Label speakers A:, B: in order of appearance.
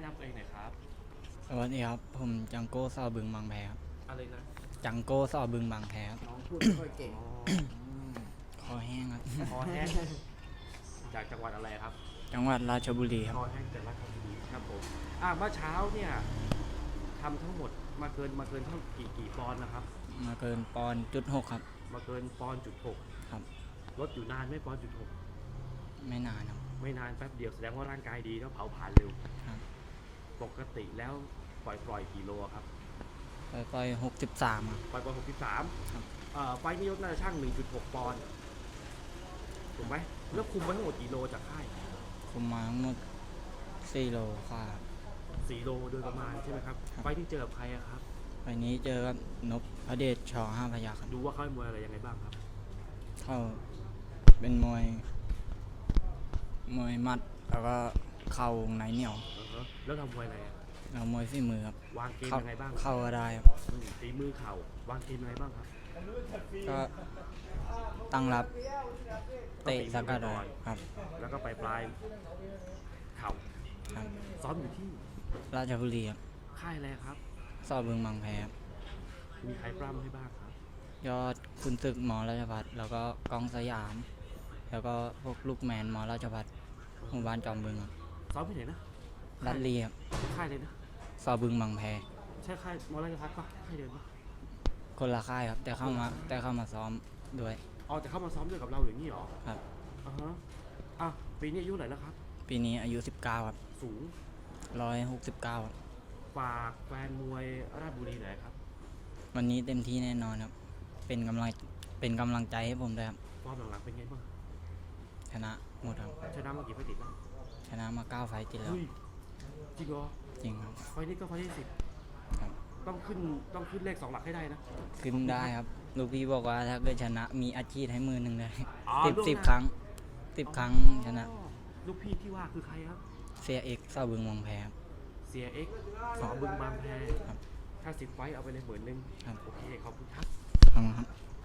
A: ำตัวเองหน่อยครับ
B: สวัสดีครับผมจังโก้ซอบึงบางแพครับ
A: อะไรนะ
B: จังโก้ซอบึงบางแพครับ
C: น้องพูดไม่ค่อยเก่ง
A: อ๋อ
B: คอแห้งครับ
A: คอแห้งจากจังหวัดอะไรครับ
B: จังหวัดราชบุรีครับ
A: คอแห้งจากราชบุรีครับผมเมื่อเช้าเนี่ยทำทั้งหมดมาเกินเท่ากี่ปอนด์นะครับ
B: มาเกินปอนด์ .6 ครับ
A: มาเกินปอนด์จุดหก
B: ครับ
A: ลดอยู่นานไหม่ปอนด์จุดหก
B: ไม่นานครับ
A: ไม่นานแป๊บเดียวแสดงว่าร่างกายดีแล้วเผาผลาญเร็ว
B: ครับ
A: ปกติแล้วปล่อยกี่โลครับ
B: ปล่อย63ครับ
A: ปล่อย63
B: ครับ
A: ไฟล์นี้ยกน่าจะช่าง 1.6 ปอนด์ถูกไหมแล้วคุมมาทั้งหมดกี่โลจากค่าย
B: คุมมาทั้งหมด4 โลค่ะครับ
A: 4 โลโดยประมาณใช่ไหมครับ
B: ครับ
A: ไฟล์ที่เจอกับใครอะครับ
B: ไฟล์นี้เจอกับนพพระเดชช5 พยัคฆ์ครับ
A: ดูว่าเขาเป็นมวยอะไรยังไงบ้างครับ
B: เข้าเป็นมวยหมัดแล้วก็เข่าวงในเหนียว
A: แล้วทำมวยอะไรอะ
B: แล้วมวยฝีมือครับ
A: วางเกมยังไงบ้าง
B: เข้าก็ได้ครับ
A: ฝีมือเข่าวางเกมยังไงบ้างครับ
B: ก็ตั้งรับเตะสกัด
A: ก่
B: เล
A: อน
B: ยครับ
A: แล้วก็ไปปลายเข่า
B: ครับ
A: ซ้อมอยู่ที่
B: ราชบุรีครับ
A: ค่ายอะไรครับ
B: ซอบึงบางแพครับ
A: มีใครปล้ำให้บ้างครับ
B: ยอดคุณศึกหมอราชพัฒแล้วก็กองสยาม แล้วก็พวกลูกแมนหมอราชพัฒหมู่บ้านจอมบึงครับ
A: ซ้อมที่ไหนนะ
B: รัดเรียบ
A: ค่ายเลยนะ
B: ซอบึงบางแพ
A: ใช่ค่ายมอราชพัฒน์ปะค่ายเดิมปะ
B: คนละค่ายครับแต่เข้ามาซ้อมด้วย
A: อ๋อแต่เข้ามาซ้อมด้วยกับเราอย่างนี้เหรอ
B: ครับ
A: อ่าฮะปีนี้อายุเท่าไหร่แล้วครับ
B: ปีนี้อายุ19ครับ
A: สูง
B: 169ครับ
A: ฝากแฟนมวยราชบุรีหน่อยครับ
B: วันนี้เต็มที่แน่นอนครับเป็นกำลังใจให้ผมด้วยครับ
A: ฟอร์มหลังๆเป็นไงบ้าง
B: ชนะหมดครับ
A: ชนะมากี่ไฟล์ติดแล้ว
B: ชนะมา9 ไฟต์ติดแล้ว
A: เฮ้ยจริงเหรอ
B: จริงครับ
A: ไฟล์นี้ก็ไฟล์ที่10
B: ครับ
A: ต้องขึ้นเลข2 หลักให้ได้นะ
B: ขึ้นได้ครับลูกพี่บอกว่าถ้าเกิดชนะมีอาชีพให้มือหนึ่งเลย
A: อ๋อ
B: สิบ
A: ล่วงหน้า
B: สิบครั้ง10 ครั้งชนะ
A: อ๋อลูกพี่ที่ว่าคือใครครับ
B: เสียเอกซอบึงบางแพครับ
A: เสียเอ็กสอบึงบางแพ
B: ครับ
A: ถ้า10 ไฟล์เอาไปเลย10,000
B: ครับ
A: โอเคขอบคุณครับ
B: ขอบคุณครับ